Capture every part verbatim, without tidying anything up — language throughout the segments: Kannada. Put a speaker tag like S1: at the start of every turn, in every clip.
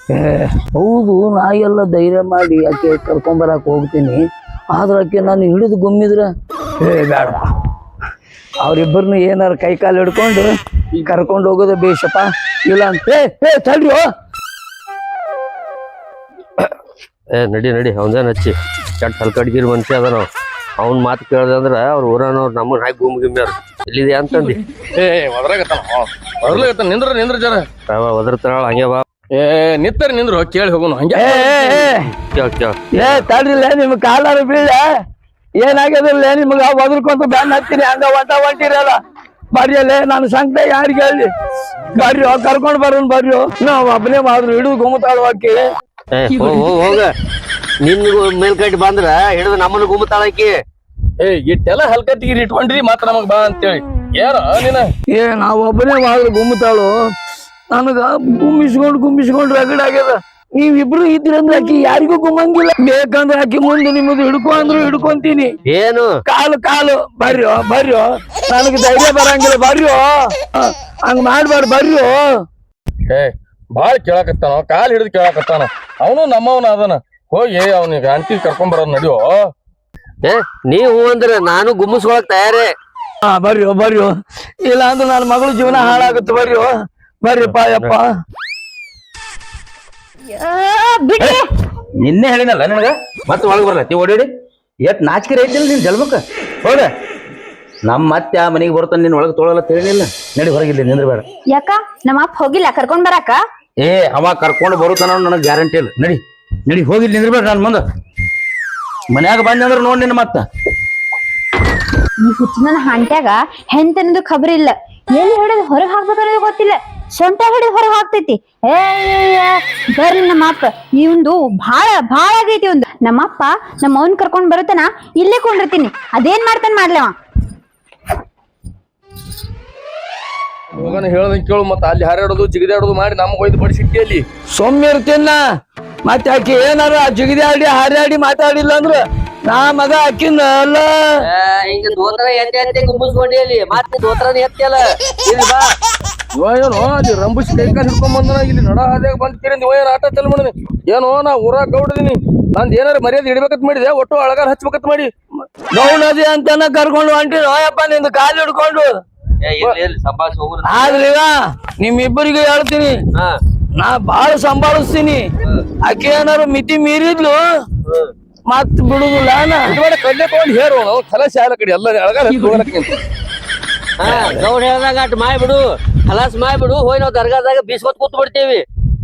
S1: ಹೌದು, ನಾ ಎಲ್ಲ ಧೈರ್ಯ ಮಾಡಿ ಆಕೆ ಕರ್ಕೊಂಬರಕ್ ಹೋಗ್ತೀನಿ. ಆದ್ರ ಆಕೆ ನಾನು ಹಿಡಿದು ಗುಮ್ಮಿದ್ರ ಏ ಬೇಡ, ಅವ್ರಿಬ್ಬರನ್ನ ಏನಾರ ಕೈ ಕಾಲು ಹಿಡ್ಕೊಂಡು ಕರ್ಕೊಂಡು ಹೋಗೋದು ಬೇಷಪ್ಪ. ಇಲ್ಲ ಅಂತ ಏ ತಡ್ರಿ
S2: ಏ ನಡಿ ನಡಿ ಅವನ್ದೇನ್ ಹಚ್ಚಿ ಕೆಟ್ಟ ಹಲ್ಕಡ್ಗಿರಿ ಮನುಷ್ಯ ಅದ ನಾವು. ಅವ್ನ ಮಾತು ಕೇಳ್ದ ಅಂದ್ರ ಅವ್ರ ಊರನವ್ರು ನಮ್ಮನ್ನ ಹಾಕಿ ಗುಮ್ ಗಿಮ್ಯಾರ ಇಲ್ಲಿದೆ ಅಂತಂದಿ.
S3: ಏ ಒದ್ರಾಗತ್ತಾನ ಒದ್ರಾಗತ್ತಾನ ನಿಂದ್ರ ನಿಂದ್ರ ಜರ
S2: ಒದರ್ತಾಳ ಹಂಗೆ ಬಾ.
S3: ಏ ನಿತ್ತರಿ ನಿಂದ್ರು ಕೇಳಿ ಹೋಗೋಣ ಹಂಗೆ.
S2: ಕೇಳ್ ಕೇಳ
S1: ಏ ತಡ್ರಿಲ್ಲ, ನಿಮ್ ಕಾಲಾರ ಬೀಳ ಏನಾಗ್ಯದಿಲ್ಲ, ನಿಮ್ಗ ಒದರ್ಕೊಂತ ಬ್ಯಾನ್ ಹಾಕ್ತೀನಿ ಹಂಗ ಒಂಟ ಹೊಂಟಿರಲ್ಲ. ಬರ್ರಿ ಅಲ್ಲೇ ನಾನು ಸಂಕಟ ಯಾರಿಗೆ ಹೇಳಿ ಬರ್ರಿ ಕರ್ಕೊಂಡ್ ಬರೋನ್ ಬರ್ರಿ. ನಾವ್ ಒಬ್ಬನೇ ಮಾಡಿದ್ರು ಹಿಡಿದು ಗುಮ್ಮತಾಳವಾಕಿ.
S2: ಏ ಹೋಗ ನಿನ್ ಮೇಲ್ಕಟ್ಟಿ ಬಂದ್ರ ಹಿಡಿದು ನಮ್ಮನ್ನ ಗುಮ್ಮತಾಳಕಿ.
S3: ಏ ಇಟ್ಟೆಲ್ಲ ಹಲ್ಕಟ್ಟಿಗಿರಿ ಇಟ್ಕೊಂಡ್ರಿ ಮಾತ್ರ ನಮಗ್ ಬಾ ಅಂತೇಳಿ ಏನ ನೀನ.
S1: ಏ ನಾವ್ ಒಬ್ಬನೇ ಮಾಡಿದ್ರು ಗುಮ್ಮತಾಳು. ನನಗ ಗುಮ್ಮಿಸ್ಕೊಂಡ್ ಗುಮ್ಮಿಸ್ಕೊಂಡ್ ರಗಡ್ ಆಗ್ಯದ. ನೀವಿಬ್ರು ಇದ್ರಂದ್ರ ಆಕಿ ಯಾರಿಗೂ ಗುಮ್ಮಂಗಿಲ್ಲ. ಬೇಕಂದ್ರ ಆಕಿ ಮುಂದೆ ನಿಮ್ಮದು ಹಿಡ್ಕೊ ಅಂದ್ರು ಹಿಡ್ಕೊಂತೀನಿ.
S2: ಏನು
S1: ಕಾಲು ಕಾಲು ಬರ್ರಿ ಬರ್ರಿ, ನನಗೆ ಧೈರ್ಯ ಬರಂಗಿಲ್ಲ ಬರ್ರಿ. ಹಂಗ ಮಾಡ್ಬಾರ್ದು ಬರ್ರಿ.
S3: ಏ ಬಾಳ್ ಕೇಳಾಕತ್ತಾನ, ಕಾಲ್ ಹಿಡಿದು ಕೇಳಾಕತ್ತಾನ. ಅವನು ನಮ್ಮವನ ಅದನ. ಹೋಗಿ ಅವನಿಗೆ ಅಂಟಿ ಕರ್ಕೊಂಡ್ ಬರೋದ್ ನಡಿಯೋ.
S2: ಏ ನೀವು ಅಂದ್ರ ನಾನು ಗುಮ್ಮಿಸ್ಕೊಳಕ್ ತಯಾರೇ.
S1: ಹಾ ಬರ್ರಿ ಬರ್ರಿ, ಇಲ್ಲ ಅಂದ್ರೆ ನನ್ನ ಮಗಳು ಜೀವನ ಹಾಳಾಗುತ್ತೆ ಬರ್ರಿ. ಬರ್ರಿಪ್ಪ ಯಪ್ಪ.
S4: ನಿನ್ನೆ ಹೇಳಿನಲ್ಲ ನಿನಗ ಮತ್ತೆ ಒಳಗೆ ಬರ್ಲತ್ತಿ ಓಡಾಡಿ. ಎಟ್ ನಾಚಿಕೆ ಐತಿಲ್ಲ ನಿನ್ ಜಲ್ಮಕ್ಕ. ಹೌದ ನಮ್ಮ ಮತ್ತೆ ಆ ಮನೆಗೆ ಬರ್ತಾನೆ ನಿನ್ ಒಳಗೆ ತೊಳಲ್ಲ ತಿಳಿಲಿಲ್ಲ. ನಡಿ ಹೊರಗಿಲ್ಲ ನಿಂದ್ರ ಬೇಡ.
S5: ಯಾಕ ನಮ್ಮ ಅಪ್ಪ ಹೋಗಿಲ್ಲ ಕರ್ಕೊಂಡ್ ಬರಾಕ?
S4: ಏ ಅವ ಕರ್ಕೊಂಡು ಬರುತ್ತಾನ ನನಗೆ ಗ್ಯಾರಂಟಿ ಇಲ್ಲ. ನಡಿ ನಡಿ ಹೋಗಿಲ್ಲ ನಿಂದ್ರ ಬೇಡ. ನಾನು ಮುಂದ ಮನ್ಯಾಗ ಬಂದಂದ್ರ ನೋಡ್ ನಿನ್ನ ಮತ್ತ.
S5: ಈ ಹುಚ್ಚಿನ ಹಾಂಟ್ಯಾಗ ಹೆಂತನದು ಖಬರ್ ಇಲ್ಲ. ಎಲ್ಲಿ ಹಿಡಿದು ಹೊರಗೆ ಹಾಕ್ಬೇಕನ್ನೋದು ಗೊತ್ತಿಲ್ಲ. ಸೊಂಟ ಹಿಡಿದು ಹೊರಗೆ ಹಾಕ್ತೈತಿ. ಏ ಬರ್ರಿ ನಮ್ಮಪ್ಪ, ಇವಂದು ಭಾಳ ಭಾಳ ಆಗೈತಿ. ಒಂದು ನಮ್ಮಪ್ಪ ನಮ್ಮ ಅವನ್ ಕರ್ಕೊಂಡ್ ಬರುತ್ತಾನ, ಇಲ್ಲೇ ಕೊಂಡಿರ್ತೀನಿ. ಅದೇನ್ ಮಾಡ್ತಾನ ಮಾಡ್ಲವ.
S3: ಹೋಗನ ಹೇಳ್ದಂಗ ಕೇಳು. ಮತ್ತ ಅಲ್ಲಿ ಹಾರಾಡೋದು ಜಿಗಿದಾಡೋದು ಮಾಡಿ ನಮ್ಗೆ ಒಯ್ದು ಬಡಿಸಿಟ್ಟಿ ಅಲ್ಲಿ
S1: ಸೌಮ್ಯರ್ತಿನ. ಮತ್ತೆ ಆಕಿ ಏನಾರ ಜಿಗಿದಿ ಆಡಿ ಹಾರಾಡಿ ಮಾತಾಡಿಲ್ಲ ಅಂದ್ರ ನಾ ಮಗ ಅಕ್ಕಿನ ಅಲ್ಲ.
S2: ಹಿಂಗ ದೋತ್ರ ಎತ್ತೆ ಎತ್ತೆ ಗುಮ್ಮಿಸ್ಕೊಂಡಿ ಅಲ್ಲಿ ಮತ್ತೆ ದೋತ್ರನ ಎತ್ತಿಯಲ್ಲ. ಇಲ್ಲಿ ಬಾ.
S3: ಇವ ಏನೋ ಅಲ್ಲಿ ರಂಬುಸಿ ಕೈ ಕಾಲು ಹಿಡ್ಕೊಂಡ್ ಬಂದನ. ಇಲ್ಲಿ ನಡ ಹಾದ್ಯಾಗ ಬಂದ್ ಕೇಳಿ ನೀವ ಏನ್ ಆಟ ಚಲ್ ಮಾಡಿನಿ. ಏನೋ ನಾ ಊರಾಗ ಗೌಡದೀನಿ. ನಂದ್ ಏನಾರ ಮರ್ಯಾದೆ ಹಿಡ್ಬೇಕತ್ ಮಾಡಿದೆ. ಒಟ್ಟು ಅಳಗಾರ ಹಚ್ಬೇಕತ್ ಮಾಡಿ
S1: ಗೌಡದಿ ಅಂತಾನ ಕರ್ಕೊಂಡು ಹೊಂಟಿ ನೋಯಪ್ಪ ನಿಂದು ಕಾಲು ಹಿಡ್ಕೊಂಡು. ಆದ್ರೀಗ ನಿಮ್ಮಿಬ್ಬರಿಗೆ ಹೇಳ್ತೀನಿ, ನಾ ಬಾಳ ಸಂಭಾಳಿಸ್ತೀನಿ. ಆಕೆ ಏನಾರು ಮಿತಿ ಮೀರಿದ್ಲು ಮತ್ ಬಿಡುದಿಲ್ಲ.
S3: ಕಡ್ಲೆ ತಗೊಂಡ್ ಹೇರು ನಾವು ಕಲಸಿ ಆಲ ಕಡೆ ಎಲ್ಲ ಅಳಗಾರ ಹಚ್ಚಿ
S2: ಹಾ ಗೌಡ್ ಹೇಳ್ದಾಗ ಅಟ್ ಮಾಯ್ ಬಿಡು, ಹಲಾಸ್ ಮಾಯ್ ಬಿಡು. ಹೋಯ್ ನಾವ್ ದರ್ಗಾದಾಗ ಬೀಸ್ಕೊತ್ ಕೂತ್ ಬಿಡ್ತೇವಿ.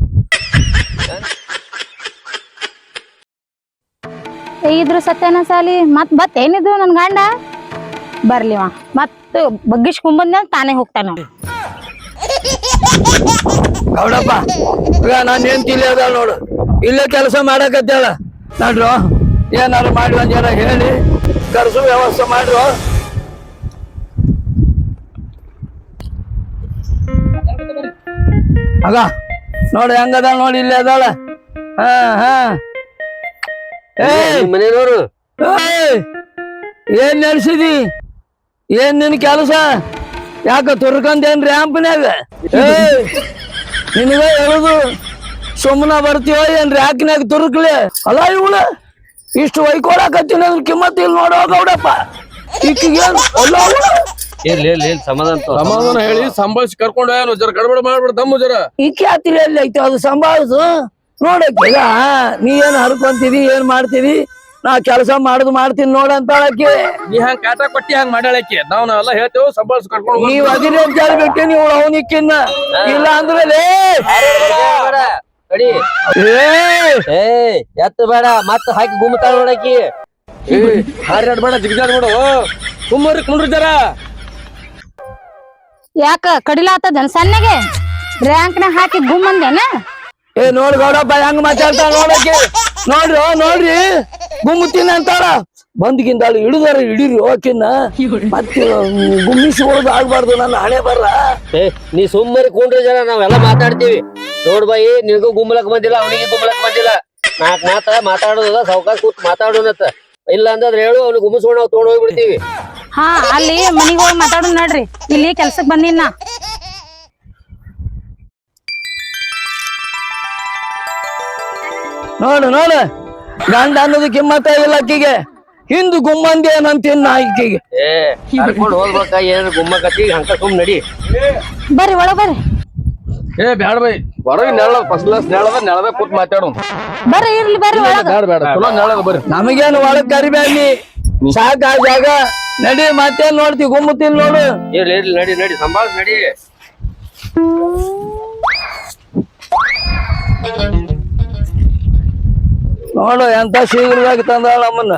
S5: ಇದ್ರ ಸತ್ಯನ ಸಾಲಿ ಮತ್ ಬತ್ ಏನಿದು ನನ್ ಗಂಡ ಬರ್ಲಿವ ಮತ್ ಬಗ್ಗಿಸ್ಕೊಂಬಂದ ತಾನೇ ಹೋಗ್ತಾನ.
S1: ಗೌಡಪ್ಪ ಈಗ ನಾನು ಏನ್ ತಿಳಿಯೋದ ನೋಡು, ಇಲ್ಲೇ ಕೆಲಸ ಮಾಡಕತ್ತೇಳ. ನೋಡ್ರು ಏನಾರು ಮಾಡಿ ಒಂದ್ ಜನ ಹೇಳಿ ಕರ್ಸು ವ್ಯವಸ್ಥೆ ಮಾಡ್ರು. ಆಗ ನೋಡಿ ಹೆಂಗದ ನೋಡಿ, ಇಲ್ಲೇ ಅದಾಳ. ಹಾ ಹಾ
S2: ಮನೆಯವರು
S1: ಏನ್ ನಡ್ಸಿದಿ? ಏನ್ ನಿನ್ ಕೆಲಸ? ಯಾಕ ತುರ್ಕಂದೇನ್ ರ್ಯಾಂಪ್ನ್ಯಾಗ? ನಿನಗ ಹೇಳುದು ಸುಮ್ಮನ ಬರ್ತೀವ ಏನ್ ರ್ಯಾಕ್ನ್ಯಾಗ ತುರುಕ್ಲಿ? ಅಲ್ಲ ಇವಳ ಇಷ್ಟು ಒಯ್ಕೊಳಕತ್ತೀನಿ ಅದ್ರ ಕಿಮ್ಮತ್ ಇಲ್ಲಿ ನೋಡೋ ಗೌಡಪ್ಪ. ಈಕಿಗೇನ್ ಅಲ್ಲ
S2: ಇರ್ಲಿ ಇರ್ಲಿ ಸಮಾಧಾನ
S3: ಸಮಾಧಾನ ಹೇಳಿ ಸಂಭಾಳಿಸಿ ಕರ್ಕೊಂಡು ಏನು ಜರ ಗಡಬಡ ಮಾಡ್ಬಿಡ ದಮ್ಮು ಜರ.
S1: ಈಕೆ ಹತ್ತಿರ ಎಲ್ಲಿ ಐತಿ ಅದು ಸಂಭಾಳಿಸು ನೋಡಕ್ಕೆ. ಈಗ ನೀ ಏನ್ ಹರ್ಕೊಂತೀವಿ ಏನ್ ಮಾಡ್ತೀವಿ, ನಾ ಕೆಲಸ ಮಾಡುದು ಮಾಡ್ತೀನಿ ನೋಡಂತಾಳಕ್ಕೆ.
S3: ನೀ ಹಂಗ ಕಾಟ ಕೊಟ್ಟಿ ಹಂಗ ಮಾಡಾಳಕ್ಕೆ ನಾವ್ ನಾವೆಲ್ಲ ಹೇಳ್ತೇವೆ ಸಂಭಾಳಿಸಿ ಕರ್ಕೊಂಡು.
S1: ನೀವ್ ಅದಿರಿ ಅಂತ ಹೇಳ್ಬಿಟ್ಟೆ ನೀವು ಅವನಿಕ್ಕಿನ್ನ. ಇಲ್ಲ ಅಂದ್ರೆ
S2: ಎತ್ತ ಬೇಡ ಮತ್ತ ಹಾಕಿ ಗುಮ್ಮತಾಳ ನೋಡಕಿ.
S3: ಹಾರಾಡ್ಬೇಡ ಜಿಗಿದಾಡ್ಬೇಡ ಕುಮ್ಮರಿ ಕುಂಡ್ರಿ ಜರ.
S5: ಯಾಕ ಕಡಿಲಾತದ ಸಣ್ಣಗೆ ರ್ಯಾಂಕ್ನ ಹಾಕಿ ಗುಮ್ಮಂದೇನ?
S1: ಏ ನೋಡ್ ಗೌಡಪ್ಪ ಹೆಂಗ್ ಮಾತಾಡ್ತಾಳ ನೋಡಕ್ಕೆ. ನೋಡ್ರಿ ನೋಡ್ರಿ ಗುಮ್ಮುತ್ತೀನಿ ಅಂತಾಳ. ಬಂದ್ಗಿಂದಾಳು ಹಿಡಿದಾರ ಹಿಡೀರಿ ಹೋಕಿನ್ನ. ಮತ್ತೆ ಗುಮ್ಮಿಸ್ಕೊಳ್ಳೋದು ಆಗ್ಬಾರ್ದು ನನ್ನ ಹಣೆ ಬರ್ರ.
S2: ಏ ನೀ ಸುಮ್ಮನೆ ಕುಂಡ್ರಿ ಜನ, ನಾವೆಲ್ಲ ಮಾತಾಡ್ತೀವಿ. ನೋಡ್ ಬಾಯಿ ನಿನಗೂ ಗುಮ್ಮಲಕ್ ಬಂದಿಲ್ಲ, ಅವನಿಗೆ ಗುಮ್ಮಲಕ್ ಬಂದಿಲ್ಲ. ನಾಕ್ ಮಾತ ಮಾತಾಡೋದ ಸಾವ್ಕಾಶ ಕೂತ್ ಮಾತಾಡೋನತ್ತ. ಇಲ್ಲ ಅಂದ್ರ ಹೇಳು, ಅವ್ನಿಗೆ ಗುಮ್ಮಿಸ್ಕೊಂಡು ನಾವು ತೊಗೊಂಡ್ ಹೋಗ್ಬಿಡ್ತೀವಿ.
S5: ಹಾ ಅಲ್ಲಿ ಮನಿಗ್ ಹೋಗಿ ಮಾತಾಡೋಣ ನಡ್ರಿ, ಇಲ್ಲಿ ಕೆಲ್ಸಕ್ ಬಂದಿನ.
S1: ನೋಡು ನೋಡು ಗಂಡ ಅನ್ನೋದು ಕಿಮ್ಮತ್ತ ಇಲ್ಲ ಆಕಿಗೆ ಹಿಂದ್ ಗುಮ್ಮಂದಿ ಏನಂತೀನ ಆಕಿಗೆ
S2: ಏ ಕರ್ಕೊಂಡು ಹೋಗ್ಬೇಕ ಏನ್ ಗುಮ್ಮಕತ್ತಿ ಹಂಕ ಸುಮ್ ನಡಿ
S5: ಬರ್ರಿ ಒಳಗ್ ಬರ್ರಿ
S3: ಏ ಬ್ಯಾಡ ಬೈ ಹೊರಗೆ ನೆಳ ಫಸ್ಟ್ ಕ್ಲಾಸ್ ನೆಳದ ನೆಳದ ಕೂತ್ ಮಾತಾಡೋಣ
S5: ಬರ್ರಿ ಇರ್ಲಿ ಬರ್ರಿ ಒಳಗ
S3: ಬ್ಯಾಡ ಬೇಡ ಚಲೋ ನೆಳದ ಬರ್ರಿ
S1: ನಮಗೇನು ಒಳಗ್ ಕರಿಬೇಡಿ ಸಾಕ ಆ ಜಾಗ ನಡಿ ಮತ್ತೇನ್ ನೋಡ್ತಿ ಗುಮ್ಮುತ್ತೀನಿ ನೋಡು
S2: ಇರ್ಲಿ ಇರ್ಲಿ ನಡಿ ನಡಿ ಸಂಭಾಳ ನಡಿ
S1: ನೋಡು ಎಂತ ಶೀಘ್ರವಾಗಿ ತಂದಾಳ ನಮ್ಮನ್ನ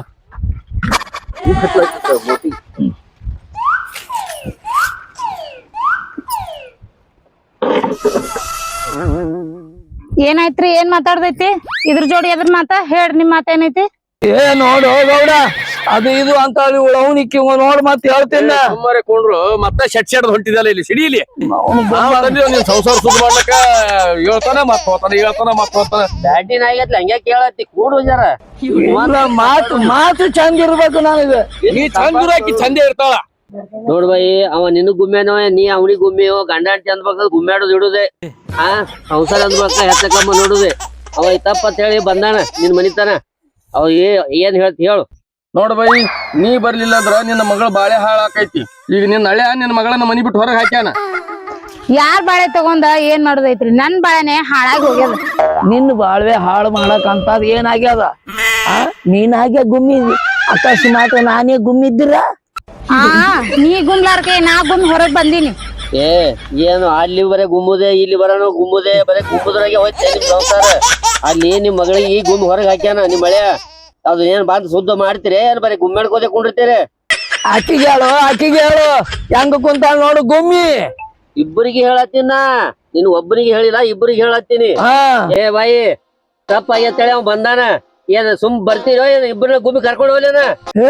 S5: ಏನಾಯ್ತ್ರಿ ಏನ್ ಮಾತಾಡ್ದೈತಿ ಇದ್ರ ಜೋಡಿ ಎದ್ರ ಮಾತ ಹೇಳ್ರಿ ನಿಮ್ ಮಾತ ಏನೈತಿ
S1: ಏ ನೋಡು ಗೌಡ ಅದು ಇದು ಅಂತ ಉಳವನಿಕ್ಕಿ ನೋಡ್ ಮತ್ ಹೇಳ್ತೀನಿ
S3: ಸುಮ್ಮನೆ ಕೊಂಡ್ರು ಮತ್ತೆ ಶೆಟ್ ಶೆಡ್ ಹೊಂಟಿದಲ್ಲ ಇಲ್ಲಿ ಸಿಡಿಲಿ
S1: ಅವ್ನು
S3: ನೀನ್ ಸಂಸಾರ ಸುದ್ದಿ ಮಾಡ್ಲಕ್ಕ ಹೇಳ್ತಾನ ಮತ್ ಹೋತಾನ ಹೇಳ್ತಾನ ಮತ್ ಹೋತಾನ
S2: ಬ್ಯಾಟಿನ ಆಗೈತ್ಲ ಹಂಗ್ಯಾ ಕೇಳತ್ತಿ ಕೂಡು ಜರ
S1: ಇಲ್ಲ, ಮಾತು ಮಾತು ಚಂದ ಇರ್ಬೇಕು ನನಗೆ
S3: ನೀ ಚಂದ ಹಾಕಿ ಚಂದ ಇರ್ತಾಳ
S2: ನೋಡ್ ಬೈ ಅವ ನಿನ್ ಗುಮ್ಮೆನೋ ನೀ ಅವನಿಗೆ ಗುಮ್ಮೆಯೋ ಗಂಡ ಅಂತ ಅಂದ್ಬೇಕ ಗುಮ್ಮ್ಯಾಡೋದು ಇಡುದೆ ಆ ಸಂಸಾರ ಅಂದ್ಬೇಕ ಹೆಚ್ಚಕಮ್ಮ ನೋಡುದೆ ಅವ ತಪ್ಪ ಅಂತ ಹೇಳಿ ಬಂದಾನ ನಿನ್ ಮನಿತಾನ ಅವ ಏ ಏನ್ ಹೇಳ್ತಿ ಹೇಳು
S3: ನೋಡ್ ಬೈ ನೀ ಬರ್ಲಿಲ್ಲ ಅಂದ್ರ ನಿನ್ನ ಮಗಳ ಬಾಳೆ ಹಾಳ ಆಕೈತಿ ಈಗ ನಿನ್ನ ಹಳೆ ನಿನ್ನ ಮಗಳನ್ನ ಮನಿ ಬಿಟ್ಟು ಹೊರಗೆ ಹಾಕ್ಯಾನ
S5: ಯಾರ್ ಬಾಳೆ ತಗೊಂಡ ಏನ್ ಮಾಡೋದೈತ್ರಿ ನನ್ ಬಾಳೆನೆ ಹಾಳಾಗಿ ಹೋಗ್ಯದ
S1: ನಿನ್ನ ಬಾಳ್ವೆ ಹಾಳು ಮಾಡಕ್ ಅಂತದ್ ಏನಾಗ್ಯದ ಆ ನೀನಾಗೆ ಗುಮ್ಮಿ ಅಕಸ್ಮಾತ್ ನಾನೇ ಗುಮ್ಮಿದ್ದೀರ
S5: ಆ ನೀ ಗುಮ್ಲಾರ್ಕೆ ನಾ ಗುಮ್ ಹೊರಗ್ ಬಂದೀನಿ
S2: ಏ ಏನು ಅಲ್ಲಿ ಬರೇ ಗುಮ್ಮುದೆ ಇಲ್ಲಿ ಬರೋನು ಗುಮ್ಮುದೆ ಬರೇ ಗುಮ್ಮುದ್ರಾಗೆ ಹೋಯ್ತೆ ನಿಮ್ ಸಂಸಾರ ಅಲ್ಲಿ ನಿಮ್ ಮಗಳಿಗೆ ಈ ಗುಮ್ ಹೊರಗೆ ಹಾಕ್ಯಾನ ನಿಮ್ ಮಳೆ ಅದು ಏನ್ ಬಂದ್ ಶುದ್ಧ ಮಾಡ್ತೀರಿ ಏನ್ ಬರೀ ಗುಮ್ಮೆಡ್ಕೋದೆ ಕುಂಡಿರ್ತೀರಿ
S1: ಆಕಿಗೆ ಹೇಳು ಆಕಿಗೆ ಹೇಳು ಹೆಂಗ ಕುಂತಾಳ ನೋಡು ಗುಮ್ಮಿ
S2: ಇಬ್ಬರಿಗೆ ಹೇಳತ್ತೀನ ನೀನ್ ಒಬ್ಬರಿಗೆ ಹೇಳಿಲ್ಲ ಇಬ್ಬರಿಗೆ ಹೇಳತ್ತೀನಿ
S1: ಹಾ
S2: ಏ ಬಾಯಿ ತಪ್ಪ ಆಗೈತೇಳಿ ಅವ್ ಬಂದಾನ ಏನ್ ಸುಮ್ ಬರ್ತೀರೋ ಏನ್ ಇಬ್ಬರನ್ನ ಗುಮ್ಮಿ ಕರ್ಕೊಂಡು ಹೋಗ್ಲೇನ
S1: ಹೇ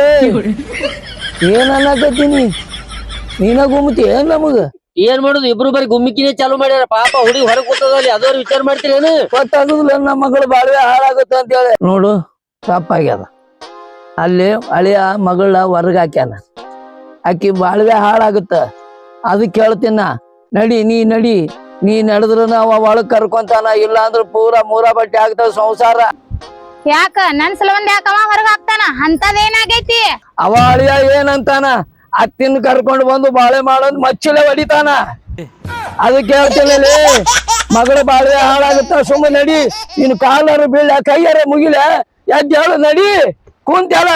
S1: ಏನ್ ಅನ್ನಕತ್ತೀನಿ ನೀನ ಗುಮ್ಮತಿ ಏನ್ ನಮಗ
S2: ಏನ್ ಮಾಡುದು ಇಬ್ರು ಬರೀ ಗುಮ್ಮಿಕಿನೇ ಚಾಲು ಮಾಡ್ಯಾರ ಪಾಪ ಹುಡುಗಿ ಹೊರಗ್ ಕೂತದಲ್ಲಿ ಅದವ್ರು ವಿಚಾರ ಮಾಡ್ತೀರೇನು
S1: ಗೊತ್ತಾಗುದಿಲ್ಲ ನಮ್ಮ ಮಗಳು ಬಾಳ್ವೆ ಹಾಳಾಗುತ್ತೆ ಅಂತ ಹೇಳಿ ನೋಡು ತಪ್ಪಾಗ್ಯದ ಅಲ್ಲಿ ಹಳೆಯ ಮಗಳ ಹೊರಗ್ ಹಾಕ್ಯಾನ ಆಕಿ ಬಾಳ್ವೆ ಹಾಳಾಗುತ್ತ ಅದಕ್ಕೆ ಹೇಳ್ತೀನ ನಡಿ ನೀ ನಡಿ ನೀ ನಡೆದ್ರ ಅವ ಒಳಗ್ ಕರ್ಕೊಂತಾನ ಇಲ್ಲ ಅಂದ್ರ ಪೂರಾ ಮೂರ ಬಟ್ಟೆ ಆಗ್ತಾವ ಸಂಸಾರ
S5: ಯಾಕ ನನ್ ಸಲವಂದ ಯಾಕವ ಹೊರಗ್ ಹಾಕ್ತಾನ ಅಂತದೇನಾಗೈತಿ
S1: ಅವ ಅಳಿಯ ಏನಂತಾನ ಅತ್ತಿನ ಕರ್ಕೊಂಡು ಬಂದು ಬಾಳೆ ಮಾಡೋದ್ ಮಚ್ಚಲೆ ಹೊಡಿತಾನ ಅದಕ್ಕೆ ಹೇಳ್ತೀನಿ ಮಗಳ ಬಾಳ್ವೆ ಹಾಳಾಗುತ್ತ ಸುಮ್ಮ ನಡಿ ನೀನು ಕಾಲರ ಬೀಳ ಕೈಯಾರ ಮುಗಿಲ ಎದ್ದ ಹೇಳು ನಡಿ ಕುಂತ್ಯಾಳ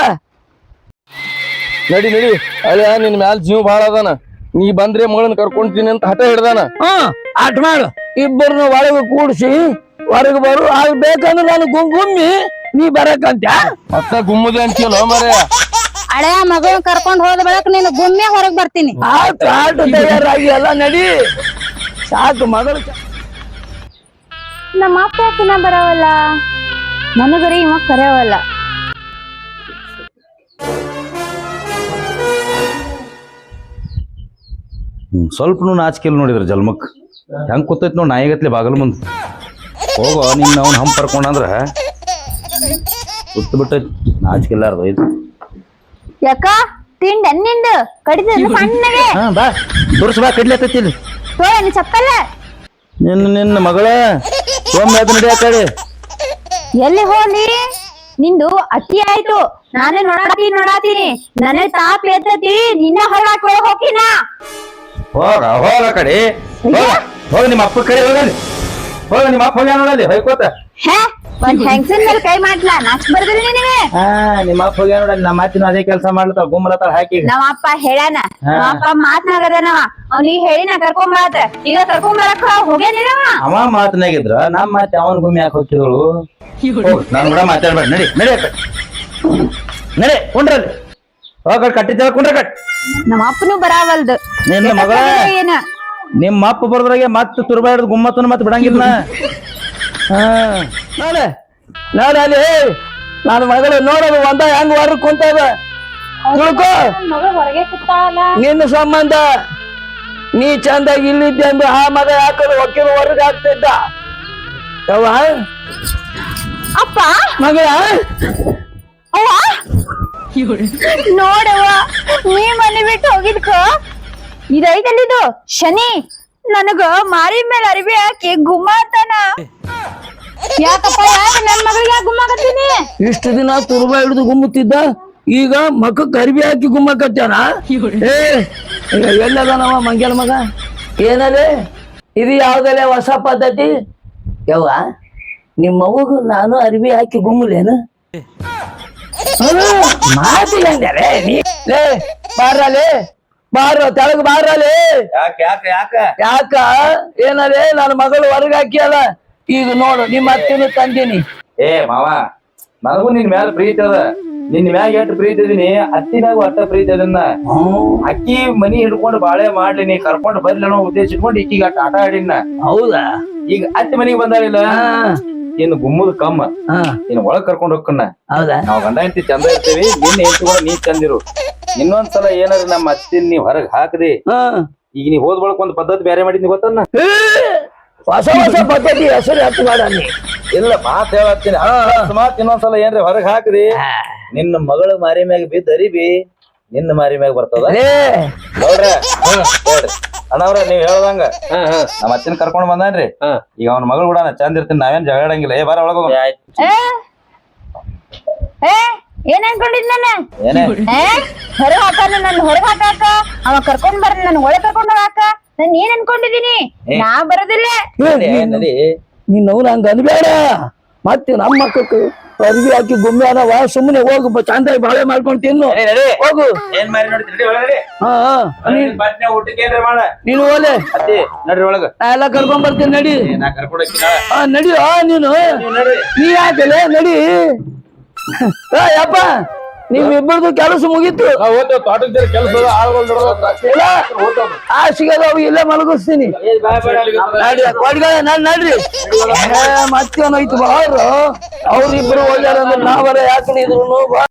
S3: ನಡಿ ನಡಿ ಹಳೆ ನಿನ್ ಮ್ಯಾಲ ಜೀವ ಭಾಳ ಅದಾನ ನೀ ಬಂದ್ರೆ ಮಗಳನ್ನ ಕರ್ಕೊಂತೀನಿ ಅಂತ ಹಠ ಹಿಡ್ದಾನ
S1: ಹ್ಮ್ ಆಟ ಮಾಡು ಇಬ್ಬರನ್ನ ಒಳಗೆ ಕೂಡ್ಸಿ ಹೊರಗೆ ಬರು ಆಗ ಬೇಕಂದ್ರೆ ನಾನು ಗುಮ್ ಗುಮ್ಮಿ ನೀ ಬರಕಂತ
S3: ಮತ್ತ ಗುಮ್ಮದೆ ಅಂತೀಯಲ್ಲ ಮರೆ
S5: ಹಳೆಯ ಮಗಳ ಕರ್ಕೊಂಡ್ ಹೋದ ಬಳಕ ನೀನು ಗುಮ್ಮೆ ಹೊರಗ್ ಬರ್ತೀನಿ
S1: ಆಟ ಆಟ ತಯಾರಾಗಿ ಎಲ್ಲ ನಡಿ ಸಾಕು ಮಗಳು
S5: ನಮ್ಮ ಅಪ್ಪ ಯಾಕಿನ ಬರವಲ್ಲ ನನಗರಿ ಇವ ಕರೆಯವಲ್ಲ
S4: ಸ್ವಲ್ಪನೂ ನಾಚಿಕೆಲ್ ನೋಡಿದ್ರ ಜಲ್ಮಕ್ ಹೆಂಗ್ ಕೂತೈತಿ ನೋಡಿ ನಾಯಿಗತ್ಲೆ ಬಾಗಲ್ ಮುಂದ್ ಹೋಗೋ ನಿನ್ನ ಅವ್ನ ಹಂಪ್ ಕರ್ಕೊಂಡಂದ್ರ ಸುತ್ತ ಬಿಟ್ಟೈತಿ ನಾಚಿಕೆಲ್ಲಾರ್ದು ಇದು
S5: ಯಾಕ ತಿಂಡ ನಿಂದ ಕಡಿದ ಸಣ್ಣಗೆ
S4: ಹಾ ಬಾ ತೋರ್ಸ್ ಬಾ ಕಡ್ಲತ್ತೈತಿ ಇಲ್ಲಿ
S5: ತೋಳ ಚಪ್ಪಲ್ಲ
S4: ನಿನ್ನ ನಿನ್ನ ಮಗಳ ಸೋಮ್ಯ ಅದು ನಡಿ ಆ ಕಡೆ
S5: ಎಲ್ಲಿ ಹೋಲಿ ನಿಂದು ಅತಿ ಆಯ್ತು ನಾನೇ ನೋಡಾತೀನಿ ನೋಡಾತೀನಿ ನನಗೆ ತಾಪ ಎತ್ತತಿ ನಿನ್ನ ಹೊರಗಾಕ ಹೋಗಿನ
S4: ಹೋಗ ಹೋಗ ಆ ಕಡೆ ಹೋಗ ಹೋಗ ನಿಮ್ಮ ಅಪ್ಪ ಕಡೆ ಹೋಗಲಿ ಹೋಗ ನಿಮ್ಮ ಅಪ್ಪ ಹೋಗ್ಯಾನ ನೋಡಲ್ಲಿ ಹೊಯ್ಕೋತ
S5: ಹೇ ಒಂದ್ ಹೆಂಗಸನ್ ಮೇಲೆ ಕೈ ಮಾಡ್ಲಾ ನಾಚ್ ಬರ್ದಿಲ್ಲ ನಿನಗೆ
S4: ಹಾ ನಿಮ್ಮ ಅಪ್ಪ ಹೋಗ್ಯಾನ ನೋಡಲ್ಲಿ ನಮ್ಮ ಮಾತಿನ ಅದೇ ಕೆಲಸ ಮಾಡ್ಲತ್ತಾಳ ಗುಮ್ಮಲತ್ತಾಳ ಹಾಕಿ
S5: ನಮ್ಮ ಅಪ್ಪ ಹೇಳ್ಯಾನ ನಮ್ಮ ಅಪ್ಪ ಮಾತನಾಗದನವ ಅವ್ನಿಗೆ ಹೇಳಿ ನಾ ಕರ್ಕೊಂಡ್ ಬರತ್ತ ಈಗ ಕರ್ಕೊಂಡ್ ಬರಕ ಹೋಗ್ಯಾನಿರವ
S4: ಅವ ಮಾತನಾಗಿದ್ರ ನಮ್ಮ ಮಾತಿ ಅವನ್ ಗುಮ್ಮಿ ಯಾಕೆ ಹೋಗ್ತಿದಳು ನಾನು ಕೂಡ ಮಾತಾಡ್ಬೇಡ ನಡಿ ನಡಿ ಅಕ್ಕ ನಡಿ ಕುಂಡ್ರಲ್ಲಿ ಹೋಗ ಕಟ್ಟಿದ್ದೇಳ ಕುಂಡ್ರ ಕಟ್
S5: ನಮ್ಮ ಅಪ್ಪನು ಬರಾವಲ್ದು
S4: ನಿನ್ನ ಮಗಳ
S5: ಏನ
S4: ನಿಮ್ಮ ಅಪ್ಪ ಬರ್ದ್ರಾಗೆ ಮತ್ತೆ ತುರ್ಬಾ ಹಿಡ್ದು ಗುಮ್ಮತ್ತನ ಮತ್ತೆ ಬಿಡಂಗಿಲ್ಲ
S1: ಹಾ ನೋಡ ನೋಡ ಅಲ್ಲಿ ನನ್ನ ಮಗಳು ನೋಡೋದು ಒಂದ ಹೆಂಗ್ ಹೊರಗ್ ಕುಂತದ ತಿಳ್ಕೊ
S5: ಮಗಳು ಹೊರಗೆ ಕೂತಾಳಲ್ಲ
S1: ನಿನ್ನ ಸಂಬಂಧ ನೀ ಚಂದಾಗಿ ಇಲ್ಲಿದ್ದೆ ಅಂದ್ರೆ ಆ ಮಗ ಯಾಕಂದ್ರೆ ಒಕ್ಕಿನ ಹೊರಗೆ ಹಾಕ್ತಿದ್ದ ಯವ್ವ
S5: ಅಪ್ಪ
S1: ಮಗಳ
S5: ಅವ್ವ ನೋಡವ್ವ ನೀ ಮನೆ ಬಿಟ್ಟು ಹೋಗಿದ್ಕ ಇದೈತಲ್ಲಿದು ಶನಿ ನನಗ ಮಾರಿ ಮೇಲೆ ಅರಿವಿ ಹಾಕಿ ಗುಮ್ಮಾತನ ಯಾಕಪ್ಪ ಯಾಕ ನನ್ ಮಗಳಿಗೆ ಯಾಕೆ ಗುಮ್ಮಾಕತ್ತೀನಿ
S1: ಇಷ್ಟು ದಿನ ತುರ್ಬಾ ಹಿಡಿದು ಗುಮ್ಮುತ್ತಿದ್ದ ಈಗ ಮಕ್ಕಕ್ಕೆ ಅರ್ಬಿ ಹಾಕಿ ಗುಮ್ಮಕತ್ತಾನ ಏ ಈಗ ಎಲ್ಲದನವ ಮಂಗ್ಯಾನ ಮಗ ಏನದೆ ಇದು ಯಾವ್ದಲ್ಲೇ ಹೊಸ ಪದ್ಧತಿ ಯವ್ವ ನಿಮ್ಮ ಮಗು ನಾನು ಅರ್ಬಿ ಹಾಕಿ ಗುಮ್ಮಲೇನು ಮಾತು ಹೆಂಗಲೇ ನೀ ಲೇ ಬಾರಲೇ ಬಾರ ತೆಳಗ್ ಬಾರಲೇ
S4: ಯಾಕೆ ಯಾಕೆ ಯಾಕ
S1: ಯಾಕ ಏನಲೇ ನನ್ನ ಮಗಳು ಹೊರಗೆ ಹಾಕಿಯಲ್ಲ ಈಗ ನೋಡು ನಿಮ್ಮ ಅತ್ತಿನ ತಂದೀನಿ
S4: ಏ ಮಾವ ನನಗೂ ನಿನ್ ಮ್ಯಾಲ ಪ್ರೀತಿ ಅದ ನಿನ್ ಮ್ಯಾಗ ಎಷ್ಟು ಪ್ರೀತಿ ಇದೀನಿ ಅತ್ತಿನಾಗ ಒಟ್ಟ ಪ್ರೀತಿ ಅದನ್ನ ಅಕ್ಕಿ ಮನಿ ಹಿಡ್ಕೊಂಡು ಬಾಳೆ ಮಾಡ್ಲಿ ನೀ ಕರ್ಕೊಂಡು ಬರ್ಲಿ ಅನ್ನೋ ಉದ್ದೇಶ ಇಟ್ಕೊಂಡು ಇಕ್ಕಿಗ ಅಟ್ಟ ಆಟ ಆಡಿನ
S1: ಹೌದಾ
S4: ಈಗ ಅತ್ತಿ ಮನಿಗೆ ಬಂದಾಳಿಲ್ಲ ಇನ್ನು ಗುಮ್ಮದ ಕಮ್ಮ
S1: ಹಾ
S4: ಇನ್ನು ಒಳಗ್ ಕರ್ಕೊಂಡ್ ಹೋಗ್ಕನ್ನ
S1: ಹೌದಾ
S4: ನಾವ್ ಗಂಡ ಹೆಂಡತಿ ಚಂದ ಇರ್ತೀವಿ ನಿನ್ನ ಹೆಂಡತಿ ಕೂಡ ನೀ ಚಂದಿರು ಇನ್ನೊಂದ್ಸಲ ಏನಾರ ನಮ್ಮ ಅತ್ತಿನ ನೀವ್ ಹೊರಗ್ ಹಾಕದಿ
S1: ಹಾ
S4: ಈಗ ನೀ ಹೋದ್ ಬಳಕ ಒಂದ್ ಪದ್ಧತಿ ಬೇರೆ ಮಾಡಿದ್ನಿ ಗೊತ್ತನ್ನ
S1: ಏ, ಹೊಸ ಹೊಸ ಪದ್ಧತಿ ಹೆಸರು ಹತ್ತು ಬೇಡ ನೀ
S4: ಇಲ್ಲ ಮಾತ್ ಹೇಳತ್ತೀನಿ ಮಾತ್ ಇನ್ನೊಂದ್ಸಲ ಏನ್ರಿ ಹೊರಗ್ ಹಾಕದಿ ನಿನ್ನ ಮಗಳ ಮಾರಿ ಮ್ಯಾಗ ಬಿದ್ದ ಅರಿಬಿ ನಿನ್ನ ಮಾರಿ ಮ್ಯಾಗ ಬರ್ತದ
S1: ಲೇ
S4: ನೋಡ್ರಿ ಹೇಳ್ರಿ ಅಣ್ಣವ್ರ ನೀವ್ ಹೇಳ್ದಂಗ ನಮ್ಮ ಅತ್ತಿನ ಕರ್ಕೊಂಡ್ ಬಂದಾನ್ರಿ ಈಗ ಅವ್ನ ಮಗಳು ಕೂಡ ನಾ ಚಂದ ಇರ್ತೀನಿ ನಾವೇನ್ ಜಗಳಂಗಿಲ್ಲ ಏ ಬಾರ ಒಳಗ
S5: ಏ ಏ ಏನ್ ಅನ್ಕೊಂಡಿದ್ ನನ್ನ
S4: ಏನೇ
S5: ಏ ಹೊರಗ್ ಹಾಕಾನ ನನ್ ಹೊರಗ್ ಹಾಕಾಕ ಅವ ಕರ್ಕೊಂಡ್ ಬರ ನನ್ ಒಳಗ್ ಕರ್ಕೊಂಡ್ ಹೋಗಾಕ ನಾನ್ ಏನ್ ಅನ್ಕೊಂಡಿದೀನಿ ನಾ ಬರೋದಿಲ್ಲ
S4: ನಡಿ
S1: ನೀನ್ ಅವ್ನ ಹಂಗ ಅನ್ಬೇಡ ಮತ್ತೆ ನಮ್ಮ ಮಕ್ಕಳು ಅರ್ಬಿ ಹಾಕಿ ಗುಮ್ಮೆ ಅದಾವ ಸುಮ್ಮನೆ ಹೋಗು ಚಂದಾಗಿ ಬಾಳೆ ಮಾಡ್ಕೊಂಡು ತಿನ್ನು
S4: ನಡಿ, ನಡಿ.
S1: ಹೋಗು
S4: ಏನ್ ಮಾರಿ ನೋಡ್ತೀನಿ ನಡಿ ಒಳಗ ನಡಿ.
S1: ಹಾ ಹಾ
S4: ನೀನ್ ಬಟ್ನೆ ಊಟಕ್ಕೆ ಏನ್ರಿ ಮಾಡ
S1: ನೀನು ಓಲೆ
S4: ಅತ್ತಿ ನಡ್ರಿ ಒಳಗ
S1: ನಾ ಎಲ್ಲ ಕರ್ಕೊಂಡ್ ಬರ್ತೀನಿ ನಡಿ
S4: ಏ, ನಾ ಕರ್ಕೊಂಡ್ ಹೋಗ್ತೀನಿ ನಾಳೆ.
S1: ಹಾ ನಡಿ ಆ ನೀನು
S4: ನೀವ್ ನಡ್ರಿ
S1: ನೀ ಯಾಕಲೆ ನಡಿ ಏ ಯಪ್ಪ ನಿಮ್ ಇಬ್ಬರದು ಕೆಲಸ ಮುಗೀತು
S3: ತೋಟದ ಕೆಲಸ ಆಳ್ಗಳು
S1: ಇಲ್ಲ ಆ ಸಿಗದ ಅವು ಇಲ್ಲೇ ಮಲಗಿಸ್ತೀನಿ ನಡಿ ಕೊಡ್ಗ ನಾನ್ ನಡ್ರಿ ಮತ್ತೇನೈತು ಬಾರು ಅವ್ರಿಬ್ರು ಹೋಗ್ಯಾರ ಅಂದ್ರೆ ನಾವರ ಯಾಕೆ ಇದ್ರು